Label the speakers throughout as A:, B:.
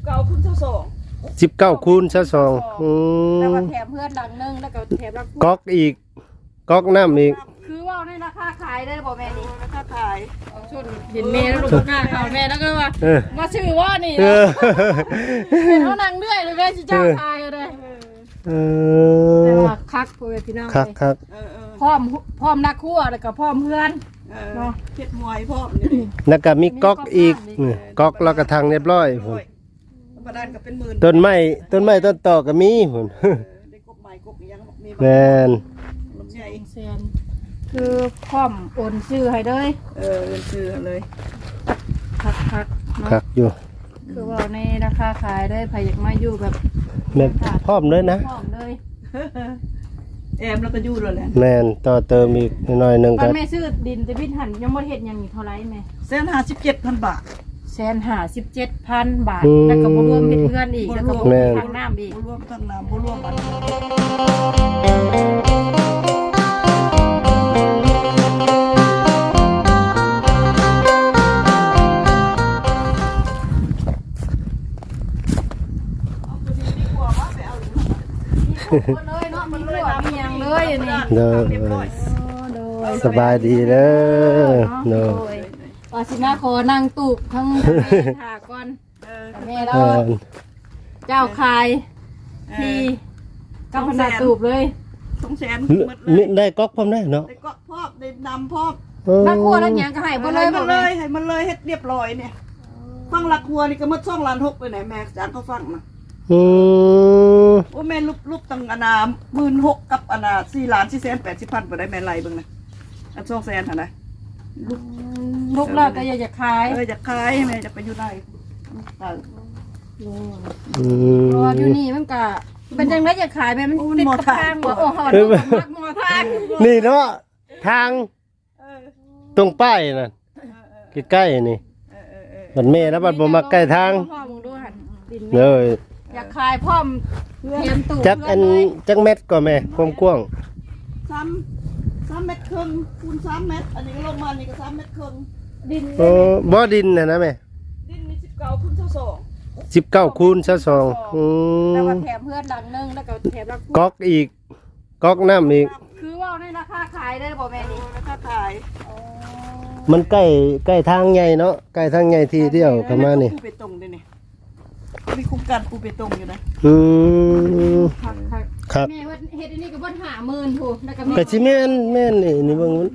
A: 19 คูณ 22
B: แล้วก็แถมเพื่อนดังนึงแล้วก็แถมรัก
A: ก๊อกอีกก๊อกน้ำอีก
B: คือว่าในราคาขายได้บ่แม่นี่ราคาขาย
C: ชุดเห็นแม่แล้วลูกกล้าเขาแม่แล้วก็ว่ามาชื่อว่านี่ เป็นเขานางเรื่อยเลยแม่ชิเจ้าทายเลยแต่ว่าคักพ่อพี่น้องเลย
A: คัก
C: พร้อมนักคั่วแล้วก็พร้อมเพื่อน
B: เนาะเฮ็ดมวยพร้อมนี่
A: แล้วก็มีก๊อกอีกก๊อกแล้วก็ทางเรียบร้อยพุ่น
B: ประดานก็เป็นหมื่น
A: ต้นไม้ต้นตอกก็มีพุ่น
B: ได้กบใหม่กบยังมี
A: แม่น
B: ลำไย
C: แซนคือพร้อมโอนซื้อให้เลย
B: เงินซื้อเลย
C: คักเนาะ
A: คักอยู่
C: คือว่าในราคาขายได้ไผอยากมาอยู่แบบ
A: แม่นพร้อมเลยนะ
C: พร้อมเลย
B: แอมแล้วก็ยู่แล้วแหละ
A: แม่นต่อเติมอีกหน่อยหนึง
C: ตอ
A: ก็
C: นแม่ซื้อดินจะพิหันยังบ่เฮ็ดหยังนี่เท่าไหร่แม่
B: 157,000 บาท
C: 157,000 บาทแล้วก็บ่รวมเฮ็ดเพื่อนอีกแล้วก็บ่รวมทางน้ำอีก
B: บ่รวมทั้งน้ำบ่รวมอัน
C: เลยเนาะมันเลยมีหยังเลยอันนี้
A: เด้อ
C: โดย
A: สบายดีเด้อ
C: โด
A: เนาะ
C: ยว่าสิมาขอนั่งตูบทั้งแม่ถาก่อนแม่เรา
A: แม่น
C: เจ้าคายที่กับพนาตูบเลย
B: 200,000
A: มีได้ก๊อกพร้อมได้เนาะ
B: ได้ก็พอบได้นำพอบ
C: นักขัวแล้วหยังก็ให้บ่เลยบ่
B: มัน
C: เล
B: เลย ยให้มันเลยเฮ็ดเรียบร้อยเนี่ยฟังหลักหัวนี่ก็หมด2 ล้าน 6ไปไหนแม่จางเขาฟังนะ
A: อืม
B: โอ้แม่ลูกตั้งอนา16,000กับอนา4,480,000บ่ได้แม่ไล่เบิ่งนะอัน200,000หั่นนะ
C: ลูกเราก็อยากจะขาย
B: อยากขายแม่จะไปอยู่ไหน
A: อืม
C: เพราะว่าอยู่นี่มันก็เป็นจังได๋อยากขายแม่มันติดกับทางบ่โอ้โหมักมอทาง
A: นี่เนาะทางตรงป้ายน่ะใกล้ๆนี่บัดแม่แล้วบัดบ่มาใกล้ทาง
C: พ่อมึงดูหั่นดิน
A: เลย
C: อยากขายพร้อมเตรียมตู้
A: จักอันจักเม็ดก็แม่ความกว้าง
B: 3 เมตรครึ่งคูณ3 เมตรอันนี้ก็ลงมานี่ก็3 เมตรครึ่ง
C: ดิน
A: โอ้บ่ดินน่ะนะแม่
B: ดินนี่19 คูณ 22
A: 19 คูณ 22อื
C: แล้ว
A: ม
C: ก็แถมเพื่อนดังนึงแล้วก็แถมรัก
A: ก๊อกอีกก๊อกน้ำอีก
C: คือว่าในราคาขายได้บ่แม่นี่
B: ราคาขาย
A: มันใกล้ทางใหญ่เนาะใกล้ทางใหญ่ที่เดียวเข้ามานี่
B: ปูเปตงด้วยนี่มีโครงการปูเปตงอยู่นะ
A: อืม
C: คัก
A: ครับ
C: แม่ว่าเฮ็ดอันนี้ก็บ่50,000พูแล้วก็มี
A: ก็สิแม่นนี่เบิ่งมัน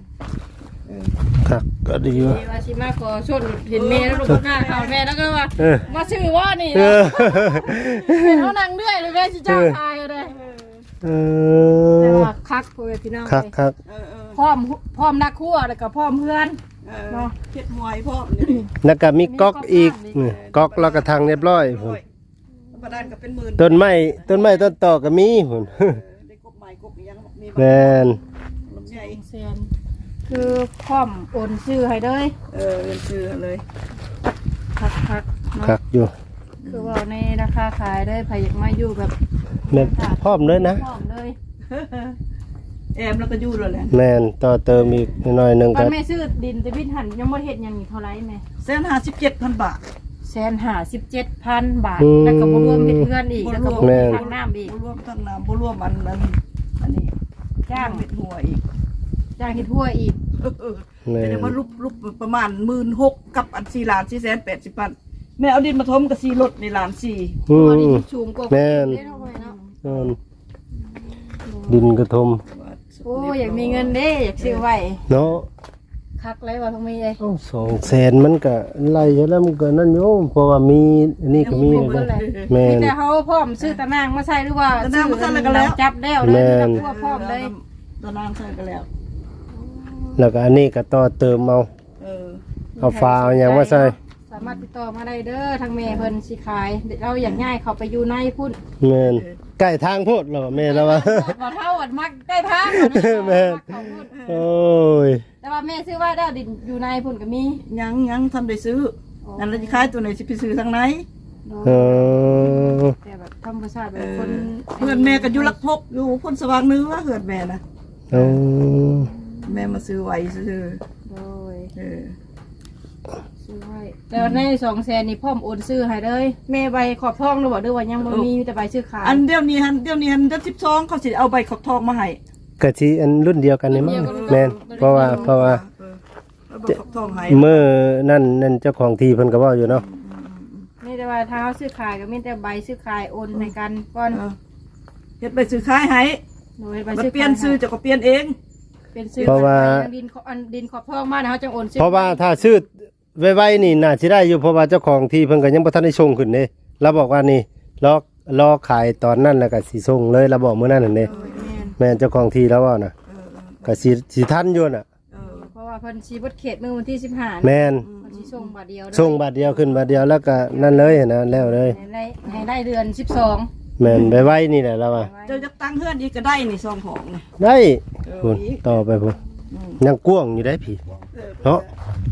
A: ครับก็ดีว่ะ
C: ว่าสิมาขอชนเห็นแม่แล้วลูกกล้าเขาแม่แล้วก็ว่ามาชื่อว่านี่
A: เออ
C: เป็นเขานางเรื่อยเลยแม่ชิเจ้าทายเลย
A: เอ
C: แต่
A: อ
C: ว่าคักพ่อแม่พี่น้อง
A: ครับครับ
C: พร้อมนักคั่วแล้วก็พร้อมเพื่อนเนาะ
B: เฮ็ดมวยพร้อมนี่
A: แล้วก็มีก๊อกอีกก๊อกแล้วก็ทางเรียบร้อยพุ่น
B: ประดานก็เป็นหมื่น
A: ต้นไม้ต้นตอกก็มีพุ่น
B: ได้กบใหม่กบยังมี
A: แม่น
B: ลำไย
C: แซนคือพร้อมโอนซื้อให้เลย
B: เงินซื้อเลย
C: คักเนาะ
A: คักอยู่
C: คือว่าในราคาขายได้ไผอยากมาอยู่แบบ
A: แม่นพร้อมเลยนะ
C: พร้อมเลย
B: แอมแล้วก็ยู่แล้วแหละ
A: แม่นต่อเติมอีกหน่อยหนึง
C: ตอ
A: ก็
C: นแม่ซื้อดินจะพิหันยังบ่เฮ็ดหยังนี่เท่าไหร่แม่
B: 157,000 บาท
C: 157,000 บาทแล้วก็บ่รวมเฮ็ดเพื่อนอีกแล้วก็บ่รวมทางน้ำอีก
B: บ่รวมทั้งน้ำบ่รวมอันนี้จ้างเม็ดหัวอีก
C: จ้างเฮ็ดทั่วอีก
A: แม่
B: แต่
A: น
B: ว่ารูปประมาณ16,000กับอัน4,480,000แม่เอาดินมาถมกับ4รถในล้าน4
A: อื
C: ตัวนี้
A: ม
C: สูงกว่า
A: แม่น
C: เท่าไหร่เนาะ
A: ดินกระทม
C: โอ้อยากมีเงินเด้อยากซื้อไว้
A: เนาะ
C: คักเลยว่าต้องมีเลย
A: เอ้า200,000มันก็ไล่อยู่แล้วมันก็นั่นอยู่เพราะว่ามีอันนี้ก็มีนะแม่
C: มี
A: น
C: แต่เขาพร้อมซื้อตะนางมาใส่หรือว่า
B: ตะนางมาใส่แล้วก็แล้ว
C: จับแล้วเลย
A: แม่น
C: ทั่วพร้อมเลย
B: ตอนนั้นใส่กันแล้ว
A: แล้วก็อันนี้ก็ต่อเติมเอา เอาฟ้าเอาหยังมาใส่
C: สามารถติดต่อมาได้เด้อทางแม่เพิ่นสิขายเราอยากง่ายเขาไปอยู่ในพุ่น
A: แม่นใกล้ทางโพดเหรอแม่แล้วว่า
C: บ่เท่าอันมักได้ทาง
A: แม่น
C: มักเขาพุ่น
A: โอ้ย
C: แต่ว่าแม่ซื้อว่าได้ดินอยู่ในพุ่นก็มี
B: ยังทำได้ซื้อนั่นเราจะขายตัวไหนสิไปซื้อทางไหน
A: เออ
C: แต่แบบธรรมชาติแบบคน
B: เพื่อนแม่ก็อยู่ลักพบอยู่พ้นสว่างเนื้อเพื่อนแม่นะ
A: เออ
B: แม่มาซื้อไว้ซื้อ
C: โดย
B: เออ
C: ซื้อให้แล้วใน200,000นี่พร้อมโอนซื้อให้เลยแม่ใบขอบทองหรือบ่หรือว่ายังบ่มีแต่ใบซื้อขาย
B: อันเดียวนี้เดือน12เขาสิเอาใบขอบทองมาให้
A: กะสิอันรุ่นเดียวกันนี่มั้งแม่นเพราะว่า
B: เอาใบขอบทองให้
A: มื้อนั่นเจ้าของที่เพิ่นก็เว้าอยู่เนาะ
C: มีแต่ว่าถ้าเฮาซื้อขายก็มีแต่ใบซื้อขายโอนให้กันก่อน
B: เฮ็ดใบซื้อขายให้
C: โดยใบ
B: มัน
C: ซื้อ
B: เปลี่ยนซื้อจะก็เปลี่ยนเอง
C: เป็นซื้อดินขอบทองมาเฮาจังโอนซื้อ
A: เพราะว่าถ้าซื้อไวๆนี่น่าสิได้อยู่เพราะว่าเจ้าของที่เพิ่นก็ยังบ่ทันได้ส่งขึ้นเด้เราบอกว่านี่รอขายตอนนั้นแล้วก็สิส่งเลยเราบอกมื้อนั้นนั่นเด้แม่นเจ้าของที่แล้วว่าน่ะก็สิทันอยู่น่ะ
C: เพราะว่าเพิ่นสิเบิดเขตมื้อวันที่15
A: แม่น
C: เพิ่นสิส่งบาทเดียว
A: ส่งบาทเดียวขึ้นบาทเดียวแล้วก็นั่นเลยนะแล้วเลย
C: ให้ได้เดือน12
A: แม่นไวๆนี่แหละแล้วว่า
B: เจ้าจะตั้งเฮือนอีกก็ได้นี่ซองของนี่
A: ได้พุ่นต่อไปพุ่นยังกว้างอยู่ได้พี่เนาะ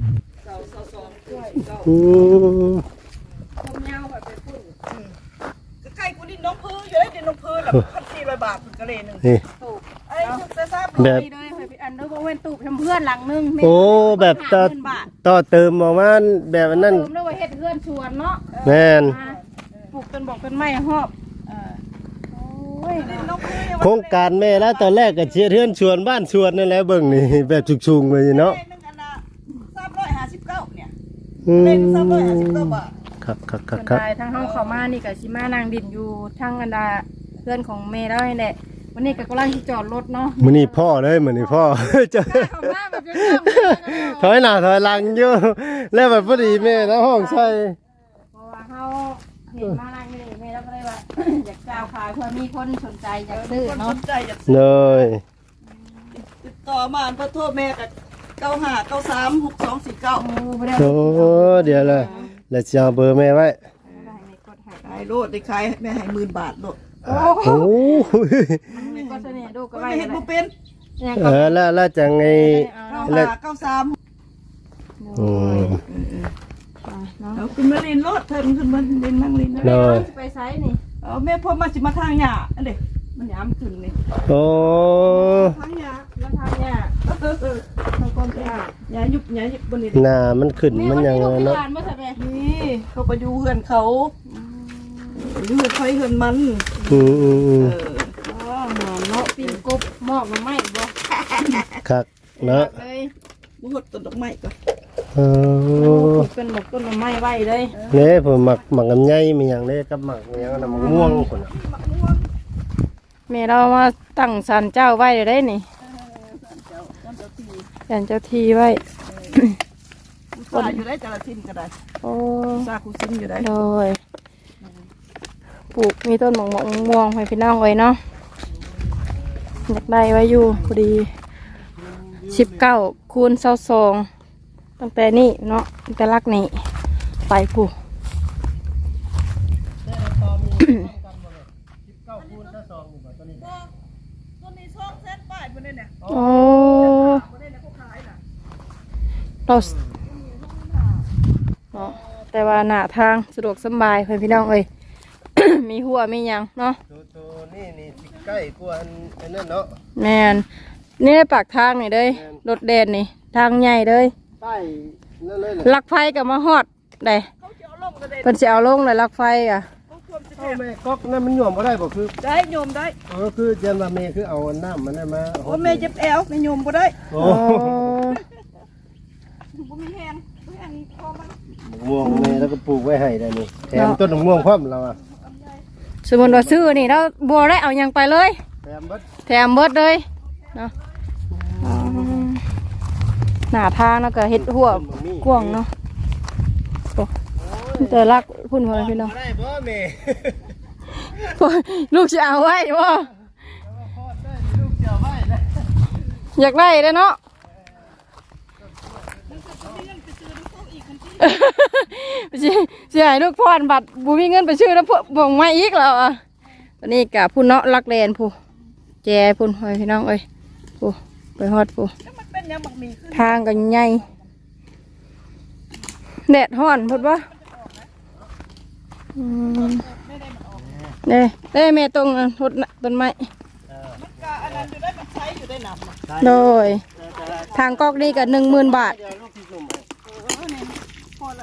A: อืม
C: ผมยาวแบบไปพุ่น
B: ใกล้กูดินน้องพื้อยู่ได้ดินน้องพื้แล้ว1,400 บาทก็เลยนึง
A: นี่
C: ตูบ
B: ไอ้ทุกแต่ทราบ
A: แบบ
C: เลยไปอันเดอร์บ่เว้นตูบทำเพื่อนหลังนึง
A: โอ้แบบต่อเติมออกมาแบบนั้น
C: เติมแล้วว่าเฮ็ดเพื่อนชวนเนาะ
A: แม่น
C: ปลูกต้นบอกต้นไม้หอบโอ้ย
B: ดินน้องพื้
A: โครงการแม่แล้วตอนแรกก็เชียร์เทือนชวนบ้านชวนนั่นแหละเบิ่งนี่แบบชุกๆเลยเนาะ
B: นึงอันน่ะ359เนี่ย
A: อื
B: เล่น
A: ม
B: 359 บาท
A: ครับ
C: เพิ่นได้ทั้งเฮาเข้ามานี่ก็สิมานั่งดินอยู่ทั้งอันดาเพื่อนของแม่แล้วนี่แหละวันนี้ก็กำลังสิจอดรถเนาะ
A: มื้อนี้พ่อเลยมื้อนี้พ่อ เจอ
C: เข้ามาแบบเรื่อง
A: ถอยหน้าถอยหลังอยู่แล้วแบบพอดีแม่แล้วห้องใช่
C: เพราะว่าเฮาเห็นมานั่งนี่แม่แล้วก็เลยว่า อยากจ้าวขายเพื่อมีคนสนใจอยากซื้อ
B: คน
C: เนาะ
B: สนใจอยาก
A: เลย
B: ติดต่อมาเพื่อโทรแม่กับ95936249
C: โอ้บ่ได้
A: โอ้เดี๋ยวเลยแล้วจะเอาเบอร์แม่ไว้
B: ขายโลดได้ขายแม่ให้10,000 บาทโลด
C: โอ้
A: โอ้
C: ไม่ก็เสน่ห์ดูก็
B: ก็
C: ไว้
B: ไม่เห็นบ่เป็น
A: แล้วจังไง
B: 9593
A: อืม
B: เอาขึ้นมาลินโลดเถินขึ้นมาลินนั่งลินนะ
A: เลย
C: ไปไซส์นี่
B: เอาแม่พ่อมาสิมาทางหญ้าอันเด้มันยามขึ้นนี่
A: โอ้
B: ทางหญ้า
C: แล้วทางเนี่ย
B: ทางก้นหญ้ายุบบ่นี่
A: หน้ามันขึ้นมันยังไงเนาะ
C: เมื่อไหร่
B: นี่เขาไปอยู่เฮือนเขาอยู่เฮือนไฟเฮือนมัน
A: อืม
C: อ๋อหมอนเนาะปิ้งกบหมอกน้ำไม้บ่
A: คักเนาะ
C: เลย
B: บ่ฮดต้นดอกไม้ก็
A: เออ
C: เป็นหมกต้นน้ำไม้ไว้เลย
A: เนี่ยผมหมักลำไยมีอย่างนี้กับหมักอย่างนั้นหมักม่วงคนน่ะ
C: แม่เรามาตั้งศาลเจ้าไว้ได้นี่ศาลเจ้าที่ไว้
B: ป่าอยู่ได้แต่ละทิ่นก็ได้
C: โอ้
B: ซาคุซินอยู่ได้
C: โดยปลูกมีต้นหมอกม่วงให้พี่น้องไว้เนาะอยากได้ไว้อยู่พอดี19 คูณ 22ตั้งแต่นี่เนาะตั้งแต่ลักนี่ไปผู้
B: ตัวนี้200,000ป้ายบ่ได้เนี่ย
C: โอ้เราเนาะแต่ว่าหน้าทางสะดวกสบายเพื่อนพี่น้องเอ้ย มีหัวมีหยังเนาะ
A: ตัวนี่สิใกล้กว่าอันนั้นเนาะ
C: แมนนี่ได้ปากทางนี่เลยรถเด่นนี่ทางใหญ่เลย
A: ใต้นั่นเลย
C: ลักไฟกับมาฮอดได้
B: เขาจะเอาลงก็ได้
C: เพิ่นสิเอาลงเลยลักไฟอ่ะ
B: เขาควรจะ
A: แม่ก๊อกนั่นมันหย่อมบ่ได้บ่คือ
B: ได้โยมได้
A: คือเจนว่าแม่คือเอาน้ำมันได้มา
B: โอ้แม่เจ็บแอวไม่โยมบ่ได้
A: โอ้
B: บ่มีแฮงพอมัน
A: ม่วงแม่แล้วก็ปลูกไว้ให้ได้นี่แถมต้นม่วงพร้อมเราอ่ะ
C: สมมุติว่าซื้อนี่เราบ่ได้เอาหยังไปเลย
A: แถมเบิด
C: แถมเบิดเลยเนาะหน้าทางแล้วก็เฮ็ดหัวกว้างเนาะโอ้แต่รักพุ่นพ่อพี่น้อง
A: ได้บ่แม่
C: ลูกจะเอาไว้บ่
A: ลูกเจียวไว้นะ
C: อยากได้เด้อเนาะสิให้ลูกพรบัตรบ่มีเงินไปซื้อแล้วบ่งมาอีกแล้วอ่ะตอนนี้กะพุ่นเนาะรักแลนผู้แจพุ่นพ่อพี่น้องเอ้ยผู้ไปฮอดผู้
B: แล้วมันเป็นยังบักมีขึ้น
C: ทางก็ใหญ่แดดร้อนพุ่นบ่เด้แม่ตรงนั้นรถต้นไม้
B: มันก็อันนั้นอยู่ได้มันใช้อยู่ได้นำ
C: โดยทางกอกนี่ก็10,000 บาท
A: เดี๋ยวลูกที่สุ่มให้
B: พอ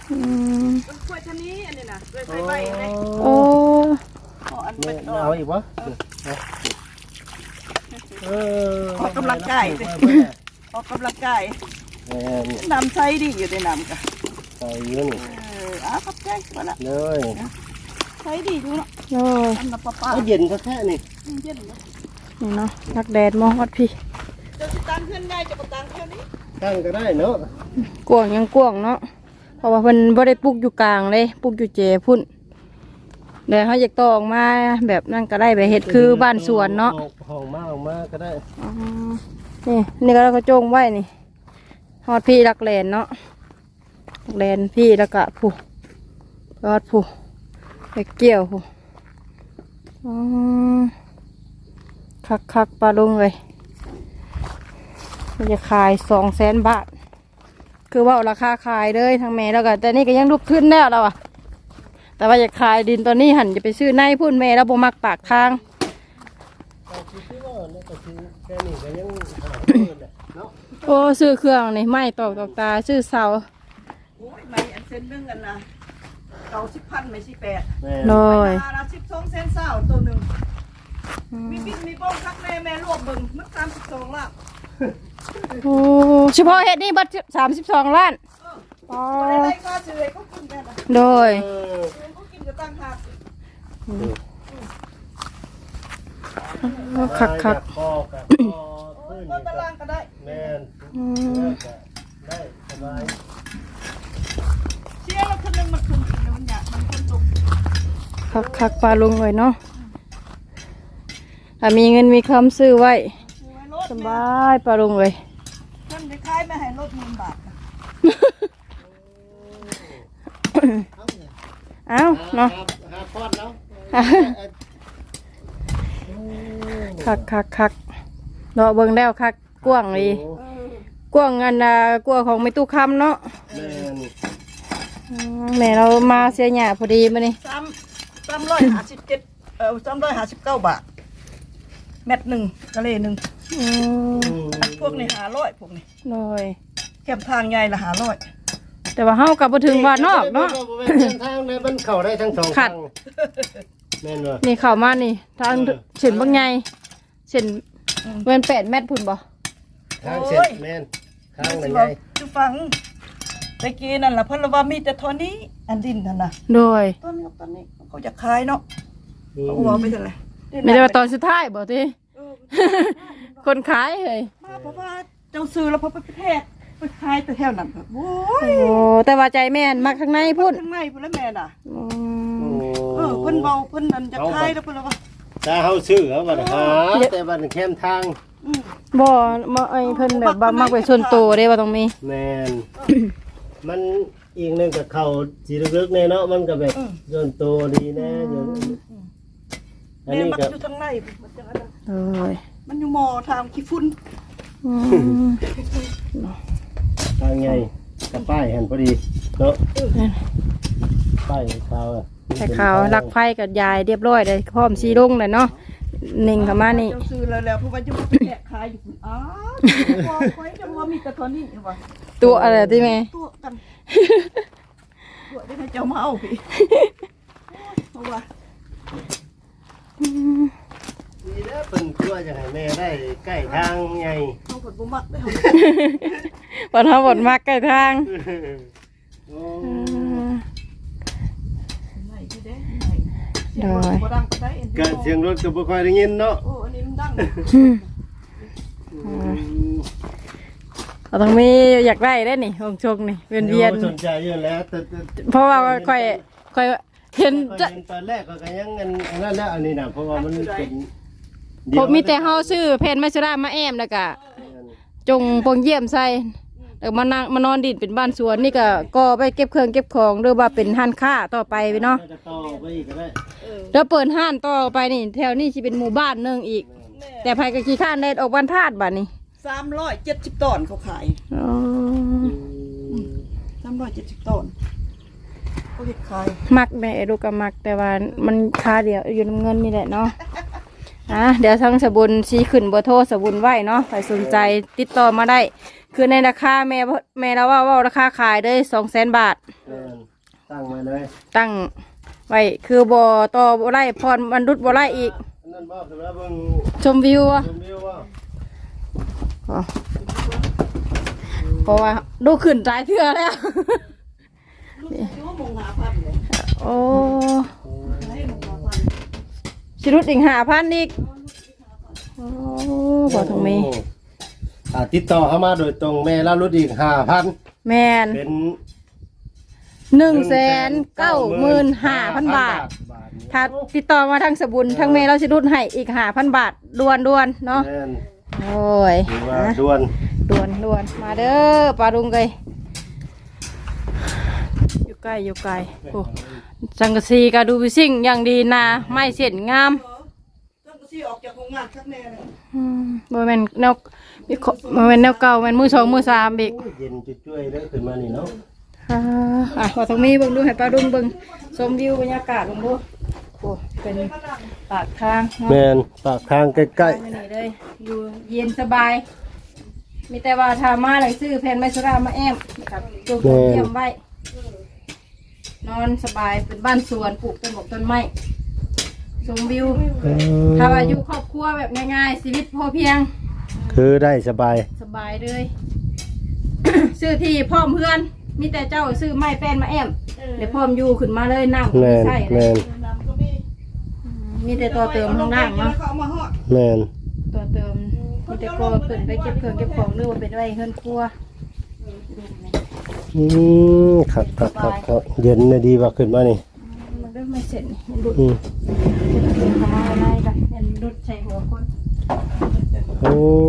B: มันกล้วยชะนี้อันนี้นะกล้วยไฟใบเลย
C: โอ้
B: อ๋ออัน
A: แม่
B: เป็นดอ
A: เอา
B: ก
A: อีกวะ
B: ออกกำลังกายสิออกกำลังกาย
A: แม่น
B: น้ำใช้ดีอยู่ในน้ำกะ
A: ใส่เยอะนี่
B: ขอบใจก่อนละ
A: เลย
B: ใช้ดีดูเนาะ
C: โอ้ย
B: อันน้ำปลาปลา
A: เอาเย็นแค่นี่
B: เย็นเนาะ
C: นี่เนาะรักแดดมองวัดพี่
B: เจ้าสิตังเพื่อนง่ายจะมาตังเท่านี้
A: ตั้งก็ได้เนาะ
C: กวางยังกวางเนาะเพราะว่าเพิ่นบ่ได้ปลูกอยู่กลางเลยปลูกอยู่เจพุ่นเดี๋ยวเขาอยากต่อออกมาแบบนั่นก็ได้ไปเฮ็ดคือบ้านสวนเนาะ
A: ห้องมาออกมาก็ได้
C: อ๋อนี่ก็เราก็จงไว้นี่ฮอดพี่รักแลนเนาะรักแลนพี่แล้วก็ผู้รอดผู้ไปเกี่ยวผู้อ๋อคักปลาลุงเลยมันจะขาย200,000 บาทคือว่าราคาขายเลยทางแม่แล้วก็แต่นี่ก็ยังลุกขึ้นแล้วเราอะแต่ว่าอยากขายดินตอนนี้หันจะไปซื้อในพุ่นแม่แล้วบ่มักปากทาง
A: แค่นี้ก็ยังหาเพิ่นแหละเนาะ
C: โอ้ซื้อเครื่องนี่ไม่ตอกตาซื้อเสา
B: โอ้ยไม่อันเส้นนึงกันนะ90,000ไม่ใช่8
A: แม่
C: โดย
B: ละ12เซนเศร้าตัวหนึ่งมีบิ๊กมีโป้งคักแม่รวบเบิ่งมัน32ละ
C: โอ้เฉพาะเฮ็ดนี่บัตร32 ล้านอ๋อ
B: บ่ได้ไล่ค่าซื้อให้เขากินกันนะ
C: โดย
B: เขากินก็ตั้งหาก
C: คัก
A: คอกับคอขึ้น
B: ก็ตารางก็ได้
A: แม่น
C: อืม
A: ได้สบาย
B: เชี่ยแล้วคนนึงมันคืนกินมันอยากมันคนตก
C: คักปลาลงเลยเนาะถ้ามีเงินมีคำซื้อไว้
B: ซื้อไว้รถ
C: สบายปลาลงเลย
B: เงินไปขายไม่ให้รถ10,000 บาท
C: เอ้าเนาะ
A: หาพอดแล้ว
C: คักเนาะเบิ่งแล้วคักกว้างดีกว้างอันกว้างของไม่ตู้คำเนาะ
A: แม่น
C: แม่เรามาเสียหยาพอดีมานี่
B: 357359 บาทเม็ดหนึ่งกะเลหนึ่ง
C: อืม
B: พวกนี้500พวกนี้
C: โดย
B: แคมทางใหญ่ละ500
C: แต่ว่าเฮากับบ่ถึงว่านอกเนาะ
A: ทางในมันเข้าได้ทั้งสอง
C: ขัด
A: ทางแม่นบ่
C: นี่เข้ามานี่ทางเส้นบางใหญ่เส้นเว้น8 เมตรพุ่นบ่
A: ทางเสร็จแม่นทางไหนใหญ่
B: จะฟังตะกี้นั่นล่ะเพิ่นว่ามีแต่เท่านี้อันดินนั่นน่ะ
C: โดย
B: ตอนนี้ตอนนี้เขาจะขายเนาะเขาหัวไปเท่าไหร่
C: ไม่ได้ว่าตอนสุดท้ายบ่ติคนขายเฮ้ย
B: มาเพราะว่าเจ้าซื้อแล้วพอไปแพทย์ไปขายแต่แถวนั้นแบบโอ้ย
C: โอ้แต่ว่าใจแม่นมักข้างในพุ่น
B: ข้างในพุ่นแล้วแม่น่ะ
C: อืม
B: เพิ่นเบาเพิ่นนั่นจะขายแล้วเพิ่นว่า
A: ถ้าเฮาซื้อเอาบัดหาแต่บัดแคมทาง
C: บ่มาไอ้เพิ่นแบบว่ามักไปส่วนตัวเด้ว่าต้องมี
A: แม่นมันอีกหนึงกับเขาสิลึกๆแน่เนาะมันก็แบบส่วนตัวดีแน่อยู่อัน
B: แม่
A: นี้
B: มัก
A: ก็
B: อยู่ทางในมันจังอันนั้น
C: โอ้ย
B: มันอยู่หมอทางขี้ฝุ่น
C: อืม
A: ทางใหญ่กับป้ายหันพอดีเนาะป้ายขาวอ่ะ
C: แต่ขาวรักไฟกับยายเรียบร้อยเลยพร้อมสีรุ่งเลยเนาะนิ่งเข้ามานี่
B: เจ้าซื้อแล้วเพราะว่าจะมาแกะขายอยู่พุ่นอ้าวพอคอยจะว่ามีแต่ตอนนี้ว่า
C: ตัวอะไรที่แม่
B: ตัวกันตัวได้ให้เจ้ามาเอาพี่เพราะว่า
A: นี่แหละเพิ่นตัวจะให้แม่ได้ใกล้ทางใหญ่
B: เขาผลบุมักได้เขา
C: วันทำบทมากใกล้ทาง
A: โอ้
B: ไหนที่เด้ไหนเสียงรถบ่ดังก็ได้เอ็น
A: ก็เสียงรถก็บ่ค่อยได้ยินเนาะ
B: โอ้อันนี้มันดัง
C: เราต้องมีอยากได้ได้นี่หงชงนี่เวียนเวียน
A: สนใจอยู่แล้วแต่
C: เพราะว่าค่อยเห็น
A: จะ
C: จะ
A: ตอนแรกก็ยังอันนั้นแล้วอันนี้น่ะเพราะว่ามันเป็น
C: ผมมีแต่เฮาซื้อเพนไมซรามาแอมแล้วก็จงปงเยี่ยมใส่แล้วมานั่งมานอนดินเป็นบ้านสวนนี่ก็ไปเก็บเครื่องเก็บของหรือว่าเป็นห้านค้าต่อไปเนาะ
A: จะต่อไปอีกก็ได้
C: แล้วเปิดห้านต่อไปนี่แถวนี้สิเป็นหมู่บ้านหนึงอีก แต่ภายกับขี้ข้านได้ออกวันธาตุบัดนี้
B: 370ตอนเขาขาย
C: อ๋อ
B: 370ตอนเขาเฮ็ดขาย
C: มักแม่ลูกก็มักแต่ว่ามันค่าเดียวอยู่น้ำเงินนี่แหละเนาะเดี๋ยวทั้งสบุนชี้ขึ้นเบอร์โทรสบุนไว้เนาะใครสนใจติดต่อมาได้คือในราคาแม่เราว่าราคาขายได้200,000 บาท
A: แม่นตั้งไว้เลย
C: ตั้งไว้คือบ่ต่อบ่ไล่พรบรรดุษบ่ไล่อีก
A: นั่นบ่คือว่าเบิ่ง
C: ชมวิวอะ
A: ชมวิวว่า
C: เพราะว่าดูขึ้นหลายเทื่อแล้ว
B: ลูกอายุมงหาพันเลย
C: โอ้
B: ให้มงหาพัน
C: สิรุดอีก5,000อีกโอ้บ่ถึงมี
A: ติดต่อเข้ามาโดยตรงแม่แล้วลดอีก 5,000
C: แม่น
A: เป็น
C: 195,000 บาท ถ้าติดต่อมาทางสบุญทางเมย์เราจะรุดให้อีก5,000 บาทด่วนเนาะ
A: แม่น
C: โอ้ย
A: ถือว่าด่วน
C: ด่วนมาเด้อปลาดุงไกอยู่ใกล้โอ้สังกะสีก็ดูวิสิ่งอย่างดีนะไม่เสียนงาม
B: ต้องซี่ออกจากโรงงานชักแน่เลย
C: บ่แม่นแนวบ่แม่นแนวเก่าแม่นมือสองมือสามอีก
A: เย็นจุ้ยๆได้ขึ้นมานี่เนาะ
C: ขอตรงนี้เบิ่งดูให้ปลาดุงเบิ่งชมวิวบรรยากาศลงดูโอ้เป็นปากทางเนาะ
A: แม่นปากทางใกล้
C: นี่เลยอยู่เย็นสบาย มีแต่ว่าทามาเลยซื้อแผ่นไม้สุรามาแอมนะครับตัวเตรียมไว้ นอนสบายเป็นบ้านสวนปลูกต้นบกต้นไม้ชมวิว
A: ๆ
C: ถ้าว่าอยู่ครอบครัวแบบง่ายๆชีวิตพอเพียง
A: คือได้สบาย
C: สบายเลย ซื้อที่พร้อมเพื่อน มีแต่เจ้าซื้อไม้แป้นมาแอมเดี๋ยวพร้อมอยู่ขึ้นมาเลยนั่ง
A: แม่น
C: ใช่เล
A: แม่
C: ย
A: น
B: น้ำก็มี
C: มีแต่ตัวเติมข้างล่างเนาะ
B: เขาเอามาฮอด
A: แม่น
C: ตัวเติมมีแต่กลัวเปิดไปเก็บเครื่องเก็บของหรือว่าเป็นไว้เฮือนครัว
A: ครับเย็นน่ะดีว่าขึ้นมานี่
C: มันก็ไม่เสร็จนี่มันดุด
A: อืม
C: ทำอะไรกันมันดุดใส่หัวคน
A: โอ้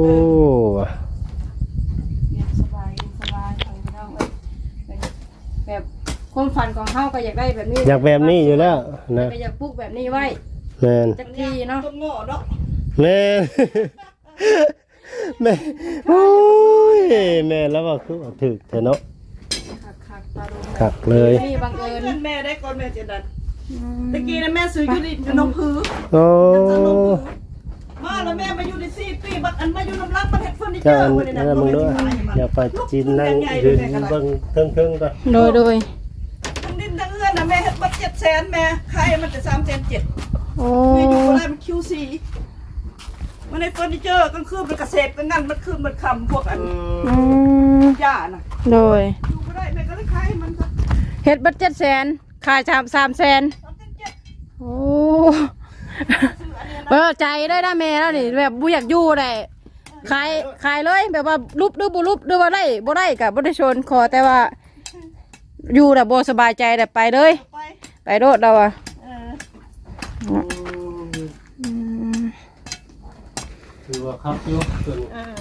C: เย็นสบายเอาไปเอาไว้แบบความฝันของเฮาก็อยากได้แบบนี้
A: อยากแบบนี้อยู่แล้วนะ
C: ก็อยากปลูกแบบนี้ไว้
A: แม่น
C: จักทีเนาะ
B: ต้นโง่เนาะ
A: แม่น แม่โอ้ยแม่แล้วว่าคือว่าถึกเถอะเนาะ
C: คักๆปลาดุก
A: คักเลย
C: นี่บังเอิญ
B: เงินแม่ได้ก่อนแม่จะดันตะกี้นะแม่ซื้อยูนิตอยู่น้องผือ
A: โอ้
B: มาแล้วแม่มาอยู่ใน4 ปีบัดอันมาอยู่น้ำรักมันเฮ็ดเฟอร์นิเจ
A: เจ้า
B: อ
A: อัน
B: ร์ไว้ใน
A: นั้
B: นั้น น
A: มึงด้วยอย่าไปจีนนั่งยืนเบิ่งเทิงๆก่อน
C: โดย
B: ทั้งดินทั้งเงินนะแม่เฮ็ดบัด700,000แม่ขายมันจะ3,700,000
C: โอ้
B: แม่อยู่บ่ได้มัน QC มันในเฟอร์นิเจอร์กลางคืนมันกระเสพกลางงั้นมันคืนมันคำพวกอัน
C: อืม
B: หญ้าน่ะ
C: โดย
B: อยู่บ่ได้แม่ก็เลยขายให้มันซะ
C: เฮ็ดบัตร700,000ขาย300,000
B: 3,700
C: โอ้เออใจได้นะแม่แล้วนี่แบบบุอยากอยู่ได้ขายเลยแบบว่ารูปหรือบุรูปหรือว่าได้บ่ได้กับบ่ได้ชนขอแต่ว่าอยู่แต่บ่สบายใจแต่ไปเลย
B: ไป
C: ไปโดดเราอ่ะ
B: เออ
A: ถือว่าครับอยู่ส่วน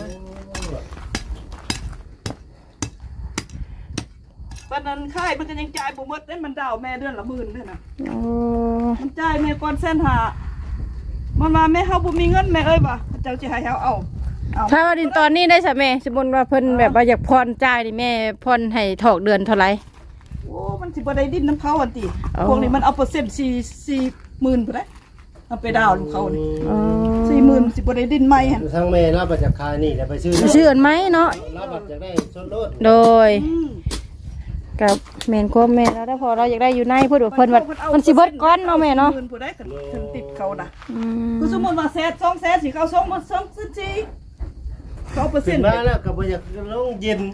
B: วันนั้นขายมันก็ยังจ่ายบ่หมดเด้มันดาวแม่เดือนละ10,000เด้อน่ะ
C: โอ้
B: มันจ่ายแม่ก่อน150,000มันมาแม่เฮาบ่มีเงินแม่เอ้ยบ่เจ้าสิให้เฮาเอา
C: ถ้าว่าดินตอนนี้ได้สะแม่สมมุติว่าเพิ่นแบบว่าอยากพรจ่ายนี่แม่พรให้ถอกเดือนเท่าไหร่
B: โอ้มันสิบ่ได้ดินน้ำเขาอันติ
C: อ๋อ
B: พวกนี้มันเอาเปอร์เซ็นต์40,000พุ่นเด้เอาไปดาวน์เขานี่
C: อ๋อ
B: 40,000สิบ่ได้ดินใหม่หั่น
A: ทั้งแม่รับมาจากคายนี่แล้วไปซื้อ
C: ชื่ออันไหมเนาะ
A: รับมาจากได้ส่วนลด
C: โดย
B: อืม
C: กับแม่นความแม่แล้วถ้าพอเราอยากได้อยู่ในพูดว่าเพิ่นว่ามันสิเบิดก้อนเนาะแม่เนาะ
B: 10,000ผู้ใดคันติดเขาน่ะ
C: อืม
B: คือสมมุติว่า200,000สิเขาส่งมา2สิเขาเปอร์เซ็
A: ขึ้
B: น
A: น
B: ต์
A: มาแล้วก็บ่อยากลงเย็น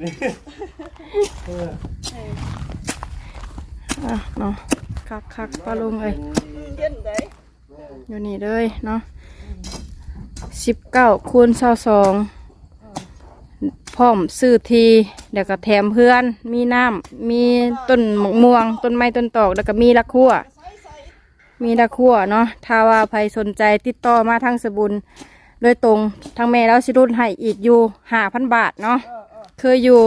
C: อ่ะเนาะคักปลาลุงเอ้ย
B: เย็นได้
C: อยู่นี่เลยเนาะ19คูณ22พร้อมซื้อทีเดี๋ยวก็แถมเพื่อนมีน้ำมีต้นมะม่วงต้นไม้ต้นตอกแล้วก็มีละคั่วมีละคั่วเนาะถ้าว่าใครสนใจติดต่อมาทางสบุญโดยตรงทางแม่แล้วสิรุ่นให้อีกอยู่5,000 บาทเนาะคืออยู่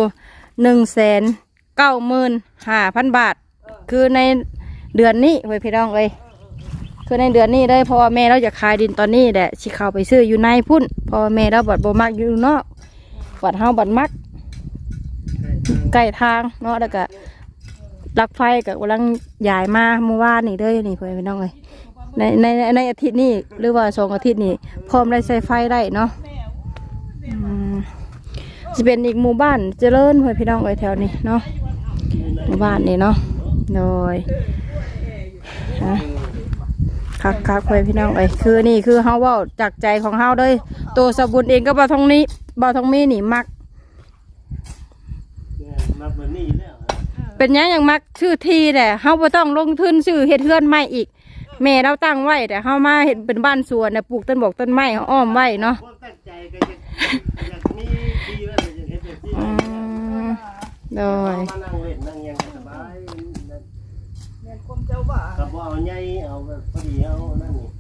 C: 195,000 บาท คือในเดือนนี้เว้ยพี่น้องเอ้ยคือในเดือนนี้เลยเพราะว่าแม่เราจะขายดินตอนนี้แหละสิเข้าไปซื้ออยู่ในพุ่นเพราะว่าแม่เราบัดบ่มักอยู่นอกบัดเฮาบัดมักใกล้ทางเนาะแล้วก็ลักไฟก็กำลังย้ายมาเมื่อวานนี่เด้อนี่เพื่อนพี่น้องเอ้ยในอาทิตย์นี้หรือว่า2 อาทิตย์นี้พร้อมได้ใช้ไฟได้เนาะอืมจะเป็นอีกหมู่บ้านเจริญเพื่อนพี่น้องเอ้ยแถวนี้เนาะหมู่บ้านนี่เนาะโดยคักเพื่อนพี่น้องเอ้ยคือนี่คือเฮาเว้าจากใจของเฮาเลยตัวสบุญเองก็บ่ทองมีนี่มัก
A: มักแบบนี้แล้ว
C: เป็นอย่างมักชื่อที่แหละเฮาบ่ต้องลงทุนชื่อเฮ็ดเฮือนใหม่อีกแม่เราตั้งไว้แต่เฮามาเฮ็ดเป็นบ้านสวนน่ะปลูกต้นบอกต้นไม้อ้อมไว้เนาะ
A: ความตั้งใจก็อยากมีดีว่าจะเฮ็ดแบบนี้
C: โดย
A: มานั่งเล่นนั่งยังสบาย
B: แม่นความเจ้าว่า
A: ก็บ่เอาใหญ่เอาแบบพอดีเอานั่นนี่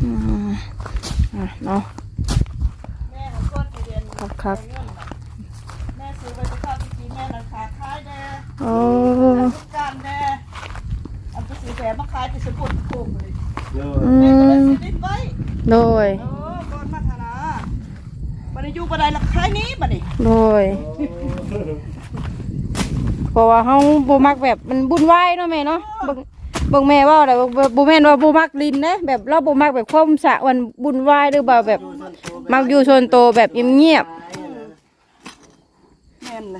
C: เนาะ
B: แม่ของก้อนที่เรียน
C: ครับ
B: แม่ซื้อไปจะข้าวที่กินแม่ราคาขายแน่
C: โอ้
B: ทุกการแน่อันจะซื้อแผลมาขายที่สกุลโคงเลย
A: เด้อ
B: แม่ก็เลยซื้อดินไว้
C: โดย
B: ก้อนมาธนาบัดนี้อยู่บันไดละขายนี้บัดนี้
C: โดยเพราะว่าเฮาบ่มักแบบมันบุญวายเนาะแม่เนาะเบิ่งแม่ว่าแหละบ่แม่นว่าบ่มักลินนะแบบเราบ่มักแบบความสะวันบุญวายหรือว่าแบบมักอยู่ส่วนโตวแบบเงียบ
B: แม่นนะ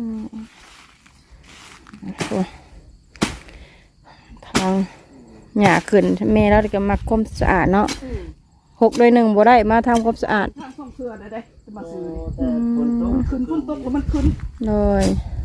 C: ๆทางหญ้าขึ้นแม่เราก็มักความสะอาดเนาะ6 ด้วย 1บ่ได้มาทำความสะอาด
B: ทางส่งเพื่อได้จะมาซื้อ
A: แต่ฝนตก
B: ขึ้นพุ่นตกแล้วมันขึ้น
C: เลย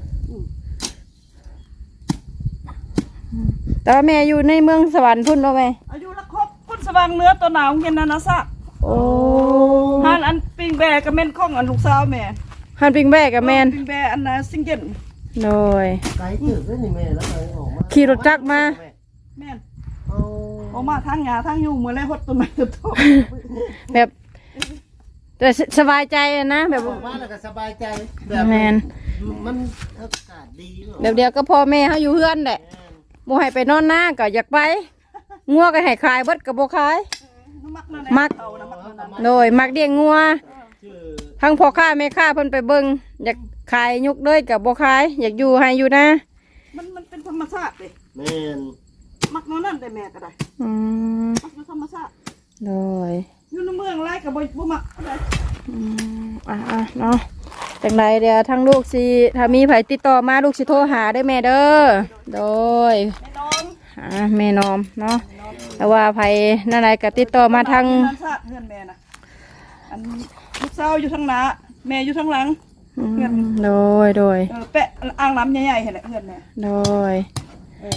C: แต่ว่าแม่อยู่ในเมืองสวรรค์พุ่นเนาะแม่
B: อายุละครบพุ่นสว่างเนื้อตัวหนาวเย็นนะซะ
C: โอ้
B: ฮานอันปิงแบกกับแม่นข้องอันลูกสาวแม่
C: ฮันปิงแบกกับแมน
B: ปิงแบอันน่ะซิงเกิล
C: เลย
A: ไกลตึกเลยนี่แม่แล้วเลยออกมา
C: ขี่รถจักรมา
B: แม่น
A: เอา
B: ออกมาทางหญ้าทางอยู่เมื่อไรหดต้นไม้ต้นโต
C: แบบแต่สบายใจอะนะแบบ
A: ออกมาแล้วก็สบายใจแบบ
C: แมน
A: มันอากาศดีเนาะ
C: แบบเดียวก็พ่อแม่เขาอยู่เฮือนแหละบ่ให้ไปนอนหน้าก็อยากไปงัวก็ให้ขายเบิดก็บ่ขาย
B: มักนั่น
C: มัก
B: เต่านะมักนั่นน่ะ
C: โดยมักเลี้ยงงัว
A: ชื่อ
C: ทั้งพ่อค้าแม่ค้าเพิ่นไปเบิ่งอยากขายยุกเลยก็บ่ขายอยากอยู่ให้อยู่นะ
B: มันเป็นธรรมชาติเลย
A: แม่น
B: มักนั่นได้แม่ก็ได้
C: อืม
B: มักอยู่ธรรมชาติ
C: โดย
B: อยู่ในเมืองไรกับบ่มักอะไร
C: เนาะจังไรเดี๋ยวทั้งลูกสิถ้ามีไผติดต่อมาลูกสิโทรหาได้แม่เด้อโดย
B: แม่น้อง
C: แม่นอมเนาะแต่ว่าไผนั่นไรก็ติดต่อมาทาง
B: ธรรมชาติเพื่อนแม่นะอันลูกสาวอยู่ทางหน้าแม่อยู่ทางหลัง
C: โดย
B: แปะอ่างน้ำใหญ่ๆเห็นแหละเพื่อนแม่
C: โดย
B: เออ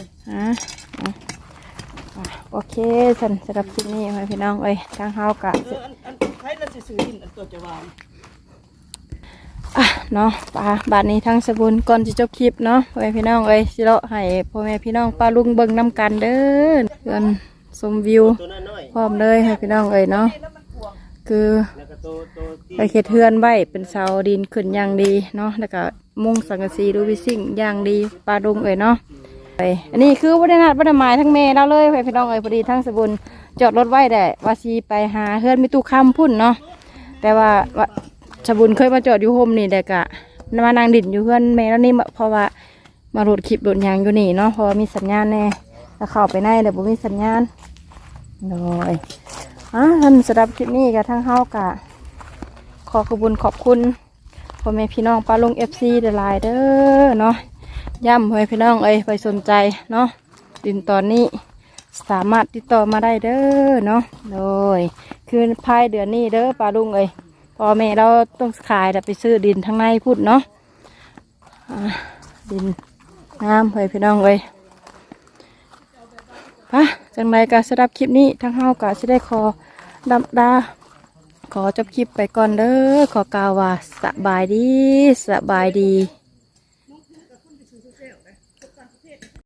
C: โอเคสันสำหรับคลิปนี้ให้พี่น้องเอ้ยทางเฮากะ
B: อันใครละสิซื้อดินอันตัวจะวาง
C: เนาะป้าบาดนี้ทางสบุญก่อนจะจบคลิปเนาะให้พี่น้องเอ้ยสิเลาะให้พ่อแม่พี่น้องป้าลุงเบิ่งนำกันเด้อเพื่อนชมวิว
A: ตัวน้อย
C: พร้อมเลยให้พี่น้องเอ้ยเนาะ
B: แล้วมันกวง
C: คือ
A: ๆแล้วก็ตัวที่
C: ไปเฮ็ดเฮือนไว้เป็นเสาดินขึ้นอย่างดีเนาะแล้วก็มุงสังกะสีดูวิสิ่งอย่างดีปลาดุงเอ้ยเนาะไปอันนี้คือบ่ได้นัดบ่ได้หมายทั้งแม่เราเลยให้พี่น้องเอ้ยพอดีทั้งสบุญจอดรถไว้ได้ว่าสิไปหาเฮือนมีตู้ค้ำพุ่นเนาะแต่ว่าสบุญเคยมาจอดอยู่โฮมนี่แต่กะมานางดินอยู่เฮือนแม่แล้วนี่เพราะว่ามาโหลดคลิปโหลดหยังอยู่นี่เนาะเพราะว่ามีสัญญาณแน่แล้วเข้าไปในแต่บ่มีสัญญาณเลยท่านสำหรับคลิปนี้ก็ทั้งเฮากะ ขอขอบคุณพ่อแม่พี่น้องป้าลุงFC หลายๆเด้อเนาะย่ำพ่อแม่พี่น้องเอ้ยไปสนใจเนาะดินตอนนี้สามารถติดต่อมาได้เด้อเนาะโดยคือภายเดือนนี้เด้อป้าลุงเอ้ยพ่อแม่เราต้องขายแต่ไปซื้อดินทางในพูดเนาะดินน้ำพ่อแม่พี่น้องเอ้ยปะจังไรก็สำหรับคลิปนี้ทั้งเฮาก็จะได้ขอดาขอจบคลิปไปก่อนเด้อขอกล่าวว่าสบายดี